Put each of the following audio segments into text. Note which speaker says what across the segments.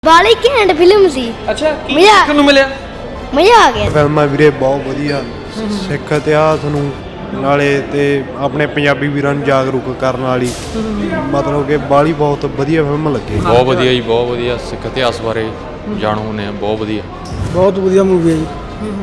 Speaker 1: ਬਾਲੀ ਘੈਂਟ ਫਿਲਮ ਸੀ।
Speaker 2: ਅੱਛਾ ਕੀ
Speaker 1: ਮਜ਼ਾ-
Speaker 2: ਦੇਖਣ ਨੂੰ ਮਿਲਿਆ?
Speaker 1: ਮਜ਼ਾ ਆ ਗਿਆ।
Speaker 3: ਫਿਲਮਾਂ ਵੀਰੇ ਬਹੁਤ ਵਧੀਆ ਸਿੱਖ ਇਤਿਹਾਸ ਨੂੰ ਨਾਲੇ ਤੇ ਆਪਣੇ ਪੰਜਾਬੀ ਵੀਰਾਂ ਨੂੰ ਜਾਗਰੂਕ ਕਰਨ ਵਾਲੀ ਮਤਲਬ ਕਿ ਬਾਲੀ ਬਹੁਤ ਵਧੀਆ ਫਿਲਮ ਲੱਗੀ।
Speaker 4: ਬਹੁਤ ਵਧੀਆ ਜੀ, ਬਹੁਤ ਵਧੀਆ। ਸਿੱਖ ਇਤਿਹਾਸ ਬਾਰੇ ਜਾਣੂ ਹੁੰਦੇ ਆ, ਬਹੁਤ ਵਧੀਆ।
Speaker 5: ਬਹੁਤ ਵਧੀਆ ਮੂਵੀ ਹੈ ਜੀ।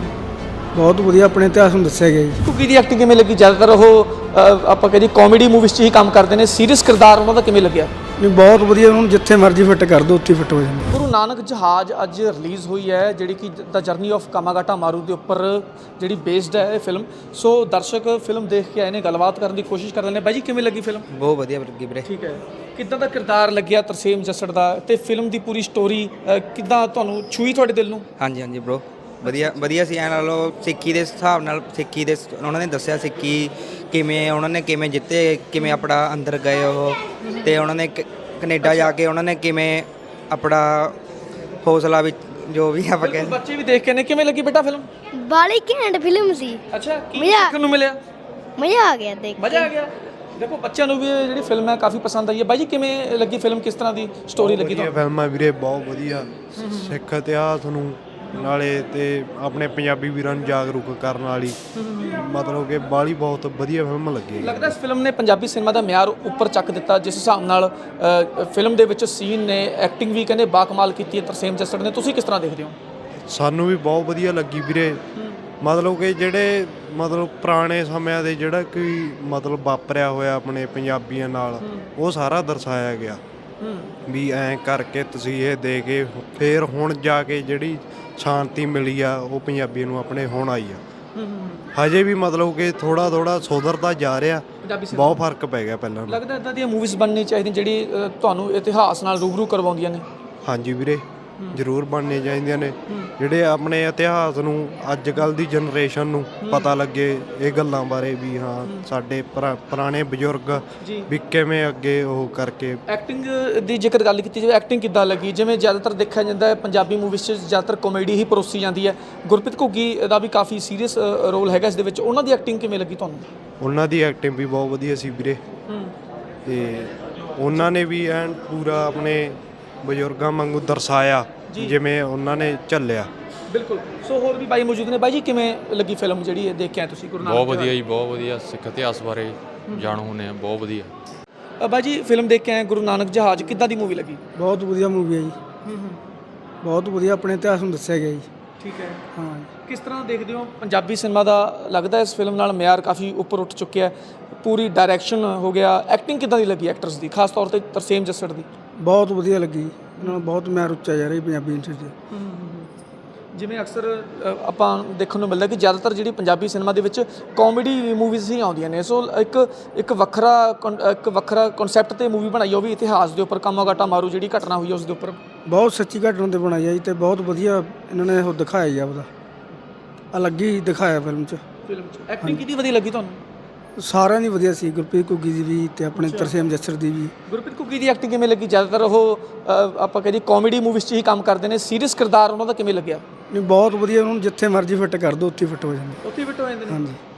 Speaker 5: ਬਹੁਤ ਵਧੀਆ ਆਪਣੇ ਇਤਿਹਾਸ ਨੂੰ ਦੱਸਿਆ ਗਿਆ ਜੀ।
Speaker 2: ਕੁਕੀ ਦੀ ਐਕਟਿੰਗ ਕਿਵੇਂ ਲੱਗੀ? ਜ਼ਿਆਦਾਤਰ ਉਹ ਆਪਾਂ ਕਹਿੰਦੇ ਕਾਮੇਡੀ ਮੂਵੀਜ਼ 'ਚ ਹੀ ਕੰਮ ਕਰਦੇ ਨੇ, ਸੀਰੀਅਸ ਕਿਰਦਾਰ ਉਹਨਾਂ ਦਾ ਕਿਵੇਂ ਲੱਗਿਆ?
Speaker 5: ਨਹੀਂ ਬਹੁਤ ਵਧੀਆ, ਉਹਨੂੰ ਜਿੱਥੇ ਮਰਜ਼ੀ ਫਿੱਟ ਕਰ ਦਿਓ ਉੱਥੇ ਫਿੱਟ ਹੋ ਜਾਂਦਾ।
Speaker 2: ਗੁਰੂ ਨਾਨਕ ਜਹਾਜ਼ ਅੱਜ ਰਿਲੀਜ਼ ਹੋਈ ਹੈ, ਜਿਹੜੀ ਕਿ ਦ ਜਰਨੀ ਆਫ ਕਾਮਾਗਾਟਾ ਮਾਰੂ ਦੇ ਉੱਪਰ ਜਿਹੜੀ ਬੇਸਡ ਹੈ ਇਹ ਫਿਲਮ। ਸੋ ਦਰਸ਼ਕ ਫਿਲਮ ਦੇਖ ਕੇ ਆਏ ਨੇ, ਗੱਲਬਾਤ ਕਰਨ ਦੀ ਕੋਸ਼ਿਸ਼ ਕਰ ਰਹੇ ਨੇ। ਬਾਈ ਜੀ ਕਿਵੇਂ ਲੱਗੀ ਫਿਲਮ?
Speaker 6: ਬਹੁਤ ਵਧੀਆ ਲੱਗੀ ਵੀਰੇ।
Speaker 2: ਠੀਕ ਹੈ, ਕਿੱਦਾਂ ਦਾ ਕਿਰਦਾਰ ਲੱਗਿਆ ਤਰਸੇਮ ਜੱਸੜ ਦਾ, ਤੇ ਫਿਲਮ ਦੀ ਪੂਰੀ ਸਟੋਰੀ ਕਿੱਦਾਂ ਤੁਹਾਨੂੰ ਛੂਈ ਤੁਹਾਡੇ ਦਿਲ ਨੂੰ?
Speaker 6: ਹਾਂਜੀ ਹਾਂਜੀ ਬ్రో, ਵਧੀਆ ਵਧੀਆ ਸੀ। ਐ ਲਾ ਲਓ ਸਿੱਖੀ ਦੇ ਹਿਸਾਬ ਨਾਲ, ਸਿੱਖੀ ਦੇ ਉਹਨਾਂ ਨੇ ਦੱਸਿਆ ਸਿੱਖੀ ਕਿਵੇਂ ਉਹਨਾਂ ਨੇ ਕਿਵੇਂ ਜਿੱਤੇ, ਕਿਵੇਂ ਆਪਣਾ ਅੰਦਰ ਗਏ ਉਹ, ਤੇ ਉਹਨਾਂ ਨੇ ਕੈਨੇਡਾ ਜਾ ਕੇ ਉਹਨਾਂ ਨੇ ਕਿਵੇਂ ਆਪਣਾ ਹੌਸਲਾ ਵਿੱਚ ਜੋ ਵੀ ਆਪਾਂ ਕਹਿੰਦੇ।
Speaker 2: ਬੱਚੇ ਵੀ ਦੇਖ ਕੇ ਨੇ, ਕਿਵੇਂ ਲੱਗੀ ਬੇਟਾ ਫਿਲਮ?
Speaker 1: ਬਾਲੀ ਘੈਂਟ ਫਿਲਮ ਸੀ।
Speaker 2: ਅੱਛਾ ਕੀ
Speaker 1: ਮਜ਼ਾ-
Speaker 2: ਦੇਖਣ ਨੂੰ ਮਿਲਿਆ?
Speaker 1: ਮਜ਼ਾ ਆ ਗਿਆ ਦੇਖ
Speaker 2: ਮਜ਼ਾ ਆ ਗਿਆ। ਦੇਖੋ ਬੱਚਿਆਂ ਨੂੰ ਵੀ ਇਹ ਜਿਹੜੀ ਫਿਲਮ ਹੈ ਕਾਫੀ ਪਸੰਦ ਆਈ ਹੈ। ਬਾਈ ਜੀ ਕਿਵੇਂ ਲੱਗੀ ਫਿਲਮ, ਕਿਸ ਤਰ੍ਹਾਂ ਦੀ ਸਟੋਰੀ ਲੱਗੀ
Speaker 3: ਵਧੀਆ
Speaker 2: ਤੁਹਾਨੂੰ?
Speaker 3: ਫਿਲਮਾਂ ਵੀਰੇ ਬਹੁਤ ਵਧੀਆ ਸਿੱਖ ਇਤਿਹਾਸ ਨੂੰ ਨਾਲੇ ਤੇ ਆਪਣੇ ਪੰਜਾਬੀ ਵੀਰਾਂ ਨੂੰ ਜਾਗਰੂਕ ਕਰਨ ਵਾਲੀ ਮਤਲਬ ਕਿ ਬਾਲੀ ਬਹੁਤ ਵਧੀਆ ਫਿਲਮ ਲੱਗੀ।
Speaker 2: ਲੱਗਦਾ ਇਸ ਫਿਲਮ ਨੇ ਪੰਜਾਬੀ ਸਿਨੇਮਾ ਦਾ ਮਿਆਰ ਉੱਪਰ ਚੱਕ ਦਿੱਤਾ, ਜਿਸ ਹਿਸਾਬ ਨਾਲ ਫਿਲਮ ਦੇ ਵਿੱਚ ਸੀਨ ਨੇ, ਐਕਟਿੰਗ ਵੀ ਕਹਿੰਦੇ ਬਾਕਮਾਲ ਕੀਤੀ ਹੈ ਤਰਸੇਮ ਜੱਸੜ ਨੇ। ਤੁਸੀਂ ਕਿਸ ਤਰ੍ਹਾਂ ਦੇਖਦੇ ਹੋ?
Speaker 3: ਸਾਨੂੰ ਵੀ ਬਹੁਤ ਵਧੀਆ ਲੱਗੀ ਵੀਰੇ। ਮਤਲਬ ਕਿ ਜਿਹੜੇ ਮਤਲਬ ਪੁਰਾਣੇ ਸਮਿਆਂ ਦੇ ਜਿਹੜਾ ਕੋਈ ਮਤਲਬ ਵਾਪਰਿਆ ਹੋਇਆ ਆਪਣੇ ਪੰਜਾਬੀਆਂ ਨਾਲ, ਉਹ ਸਾਰਾ ਦਰਸਾਇਆ ਗਿਆ ਵੀ ਐਂ ਕਰਕੇ ਤੁਸੀਂ ਇਹ ਦੇ ਕੇ ਫੇਰ ਹੁਣ ਜਾ ਕੇ ਜਿਹੜੀ ਸ਼ਾਂਤੀ ਮਿਲੀ ਆ ਉਹ ਪੰਜਾਬੀਆਂ ਨੂੰ ਆਪਣੇ ਹੁਣ ਆਈ ਆ। ਹਜੇ ਵੀ ਮਤਲਬ ਕਿ ਥੋੜਾ ਥੋੜਾ ਸੁਧਰਦਾ ਜਾ ਰਿਹਾ, ਬਹੁਤ ਫਰਕ ਪੈ ਗਿਆ ਪਹਿਲਾਂ ਨਾਲੋਂ।
Speaker 2: ਲੱਗਦਾ ਇਦਾਂ ਦੀਆਂ ਮੂਵੀਜ਼ ਬਣਨੀ ਚਾਹੀਦੀਆਂ ਜਿਹੜੀ ਤੁਹਾਨੂੰ ਇਤਿਹਾਸ ਨਾਲ ਰੂਬਰੂ ਕਰਵਾਉਂਦੀਆਂ ਨੇ।
Speaker 3: ਹਾਂਜੀ ਵੀਰੇ, ਜ਼ਰੂਰ ਬਣਨੇ ਚਾਹੀਦੀਆਂ ਨੇ, ਜਿਹੜੇ ਆਪਣੇ ਇਤਿਹਾਸ ਨੂੰ ਅੱਜ ਕੱਲ੍ਹ ਦੀ ਜਨਰੇਸ਼ਨ ਨੂੰ ਪਤਾ ਲੱਗੇ ਇਹ ਗੱਲਾਂ ਬਾਰੇ ਵੀ ਹਾਂ ਸਾਡੇ ਪੁਰਾਣੇ ਬਜ਼ੁਰਗ ਵੀ ਕਿਵੇਂ ਅੱਗੇ ਉਹ ਕਰਕੇ।
Speaker 2: ਐਕਟਿੰਗ ਦੀ ਜੇਕਰ ਗੱਲ ਕੀਤੀ ਜਾਵੇ, ਐਕਟਿੰਗ ਕਿੱਦਾਂ ਲੱਗੀ? ਜਿਵੇਂ ਜ਼ਿਆਦਾਤਰ ਦੇਖਿਆ ਜਾਂਦਾ ਹੈ ਪੰਜਾਬੀ ਮੂਵੀਜ਼ 'ਚ ਜ਼ਿਆਦਾਤਰ ਕਾਮੇਡੀ ਹੀ ਪਰੋਸੀ ਜਾਂਦੀ ਹੈ। ਗੁਰਪ੍ਰੀਤ ਘੁੱਗੀ ਦਾ ਵੀ ਕਾਫੀ ਸੀਰੀਅਸ ਰੋਲ ਹੈਗਾ ਇਸ ਦੇ ਵਿੱਚ, ਉਹਨਾਂ ਦੀ ਐਕਟਿੰਗ ਕਿਵੇਂ ਲੱਗੀ ਤੁਹਾਨੂੰ?
Speaker 3: ਉਹਨਾਂ ਦੀ ਐਕਟਿੰਗ ਵੀ ਬਹੁਤ ਵਧੀਆ ਸੀ ਵੀਰੇ, ਤੇ ਉਹਨਾਂ ਨੇ ਵੀ ਐਨ ਪੂਰਾ ਆਪਣੇ ਬਜ਼ੁਰਗਾਂ ਵਾਂਗੂ ਦਰਸਾਇਆ ਜਿਵੇਂ ਉਹਨਾਂ ਨੇ ਝੱਲਿਆ।
Speaker 2: ਬਿਲਕੁਲ। ਸੋ ਹੋਰ ਵੀ ਬਾਈ ਮੌਜੂਦ ਨੇ। ਬਾਈ ਜੀ ਕਿਵੇਂ ਲੱਗੀ ਫਿਲਮ ਜਿਹੜੀ ਇਹ ਦੇਖ ਕੇ ਆਏ ਤੁਸੀਂ? ਗੁਰੂ ਨਾਨਕ
Speaker 4: ਬਹੁਤ ਵਧੀਆ ਜੀ, ਬਹੁਤ ਵਧੀਆ। ਸਿੱਖ ਇਤਿਹਾਸ ਬਾਰੇ ਜਾਣੂ ਹੁੰਦੇ ਆ, ਬਹੁਤ ਵਧੀਆ।
Speaker 2: ਬਾਈ ਜੀ ਫਿਲਮ ਦੇਖ ਕੇ ਆਏ ਗੁਰੂ ਨਾਨਕ ਜਹਾਜ਼, ਕਿੱਦਾਂ ਦੀ ਮੂਵੀ ਲੱਗੀ?
Speaker 5: ਬਹੁਤ ਵਧੀਆ ਮੂਵੀ ਹੈ ਜੀ। ਬਹੁਤ ਵਧੀਆ ਆਪਣੇ ਇਤਿਹਾਸ ਨੂੰ ਦੱਸਿਆ ਗਿਆ ਜੀ।
Speaker 2: ਠੀਕ ਹੈ।
Speaker 5: ਹਾਂ,
Speaker 2: ਕਿਸ ਤਰ੍ਹਾਂ ਦੇਖਦੇ ਹੋ ਪੰਜਾਬੀ ਸਿਨੇਮਾ ਦਾ? ਲੱਗਦਾ ਇਸ ਫਿਲਮ ਨਾਲ ਮਿਆਰ ਕਾਫੀ ਉੱਪਰ ਉੱਠ ਚੁੱਕਿਆ, ਪੂਰੀ ਡਾਇਰੈਕਸ਼ਨ ਹੋ ਗਿਆ। ਐਕਟਿੰਗ ਕਿੱਦਾਂ ਦੀ ਲੱਗੀ ਐਕਟਰਸ ਦੀ, ਖਾਸ ਤੌਰ ਤੇ ਤਰਸੇਮ ਜੱਸੜ ਦੀ?
Speaker 5: ਬਹੁਤ ਵਧੀਆ ਲੱਗੀ। ਇਹਨਾਂ ਨੂੰ ਬਹੁਤ ਮਿਆਰ ਉੱਚਾ ਜਾ ਰਿਹਾ ਪੰਜਾਬੀ ਇੰਡਸਟਰੀ 'ਚ।
Speaker 2: ਜਿਵੇਂ ਅਕਸਰ ਆਪਾਂ ਦੇਖਣ ਨੂੰ ਮਿਲਦਾ ਕਿ ਜ਼ਿਆਦਾਤਰ ਜਿਹੜੀ ਪੰਜਾਬੀ ਸਿਨੇਮਾ ਦੇ ਵਿੱਚ ਕਾਮੇਡੀ ਮੂਵੀਜ਼ ਹੀ ਆਉਂਦੀਆਂ ਨੇ। ਸੋ ਇੱਕ ਵੱਖਰਾ ਕਨਸੈਪਟ ਤੇ ਮੂਵੀ ਬਣਾਈ, ਉਹ ਵੀ ਇਤਿਹਾਸ ਦੇ ਉੱਪਰ, ਕਾਮਾਗਾਟਾ ਮਾਰੂ ਜਿਹੜੀ ਘਟਨਾ ਹੋਈ ਉਸ ਦੇ ਉੱਪਰ।
Speaker 5: ਬਹੁਤ ਸੱਚੀ ਘਟਨਾ 'ਤੇ ਬਣਾਈ ਹੈ ਜੀ, ਅਤੇ ਬਹੁਤ ਵਧੀਆ ਇਹਨਾਂ ਨੇ ਉਹ ਦਿਖਾਇਆ ਜੀ, ਆਪਦਾ ਅਲੱਗ ਹੀ ਦਿਖਾਇਆ ਫਿਲਮ 'ਚ।
Speaker 2: ਐਕਟਿੰਗ ਕਿਹਦੀ ਵਧੀਆ ਲੱਗੀ ਤੁਹਾਨੂੰ?
Speaker 5: ਸਾਰਿਆਂ ਦੀ ਵਧੀਆ ਸੀ, ਗੁਰਪ੍ਰੀਤ ਘੁੱਗੀ ਦੀ ਵੀ ਅਤੇ ਆਪਣੇ ਤਰਸੇਮ ਜੱਸੜ ਦੀ ਵੀ।
Speaker 2: ਗੁਰਪ੍ਰੀਤ ਘੁੱਗੀ ਦੀ ਐਕਟਿੰਗ ਕਿਵੇਂ ਲੱਗੀ? ਜ਼ਿਆਦਾਤਰ ਉਹ ਆਪਾਂ ਕਹਿੰਦੇ ਕਾਮੇਡੀ ਮੂਵੀਜ਼ 'ਚ ਹੀ ਕੰਮ ਕਰਦੇ ਨੇ, ਸੀਰੀਅਸ ਕਿਰਦਾਰ ਉਹਨਾਂ ਦਾ ਕਿਵੇਂ ਲੱਗਿਆ?
Speaker 5: ਨਹੀਂ ਬਹੁਤ ਵਧੀਆ, ਉਹਨੂੰ ਜਿੱਥੇ ਮਰਜ਼ੀ ਫਿੱਟ ਕਰ ਦਿਓ ਉੱਥੇ ਫਿੱਟ ਹੋ ਜਾਂਦਾ।
Speaker 2: ਉੱਥੇ ਫਿੱਟ ਹੋ ਜਾਂਦੇ ਨੇ।
Speaker 5: ਹਾਂਜੀ।